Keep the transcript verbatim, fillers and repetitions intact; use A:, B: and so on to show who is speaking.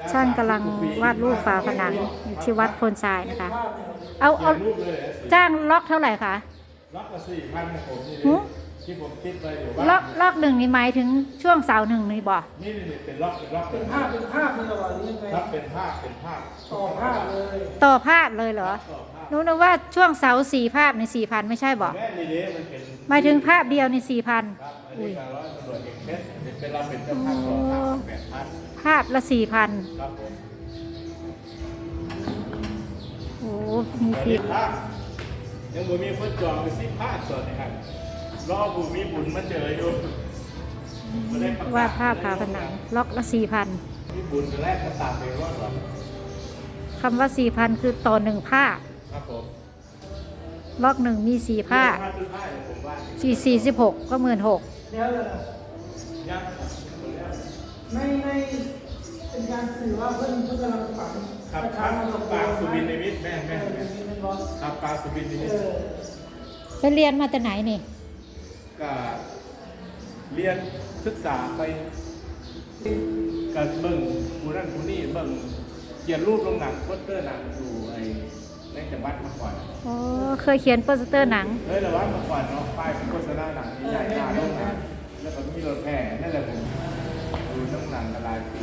A: ช่างกำลังวาดรูปฝาผนังอยู่ที่วัดโพนทรายนะคะ เอาเอาจ้างล็อกเท่าไหร่คะ
B: ล็อกละสี่พันผมนี่
A: หือ
B: ที่ผมติดไว้อยู่
A: ล็อกล็อกหนึ่งนี่หมายถึงช่วงเสาหนึ่งนี่บ่
B: นี่นี่เป็นล็อกเป็นล็อก
C: เป็นภาพเป็นภาพเป็นอะไรนี่ยังไง
B: ครับเป็นภาพเป็นภาพ
C: ต่อภาพเลย
A: ต่อภาพเลยเหรอ
B: ต่อภาพ
A: รู้นะว่าช่วงเสาสี่ภาพในสี่พันไม่ใช่บ่
B: แม่นี่เด้มันเป็น
A: หมายถึงภาพเดียวในสี่พัน
B: ครับอัน
A: อุ้
B: นี้
A: ย
B: การร้อยตำรวจเอกเพชรเป็นเราเป็นเจ้าภาพต่อภาพแปดพัน
A: ภาพละสี่พัน
B: ครับผม
A: โอ้มีฟรี
B: ภาพยังบ่มีคนจองไปสิภาพส่วนนะครับรอบุมีบุญมาเจออยู่บ่ได้ประกศ
A: วาดภาพฝาผนังล็อกละสี่พัน
B: มีบุญแรกก็ตามไปรอดหรอก
A: คำว่าสี่พันคือต่อหนึ่งภาพ
B: ครับผม
A: ล็อกหนึ่งมีสี่ภาพ
B: ภาพทุกภาพเนี่ยผมว่า
A: สี่สี่สิบหกก็หมื่นหก
C: เดี๋ยวเลย
B: ยัง
C: ในในเป็นการสื่อว่าเพื่อนเพื่อนกำลังฝัน
B: ครับครับปางสุบินในมิตรแม่
C: แม่
B: แม่
C: แม่
B: แม่
C: เป็นบอส
B: ครับปางสุบินในมิต
C: เอ
B: ร
C: อ
A: ไปเรียนมาแต่ไหนนี่
B: ก็เรียนศึกษาไปกับเบิ่งผู้นั่นผู้นี่เบิ่งเขียนรูปลงหนังโปสเตอร์หนังอยู่ไอ้ในจังหวัดมาก่อน
A: อ๋อ เคยเขียนโปสเตอร์หนัง
B: เฮ้ยแต่ว่ามาก่อนเนาะป้ายเป็นโฆษณาหนังใหญ่ๆหน้าโรงหนังแล้วก็มีรถแห่นั่นแหละผมดูน้ำหนังละลายปี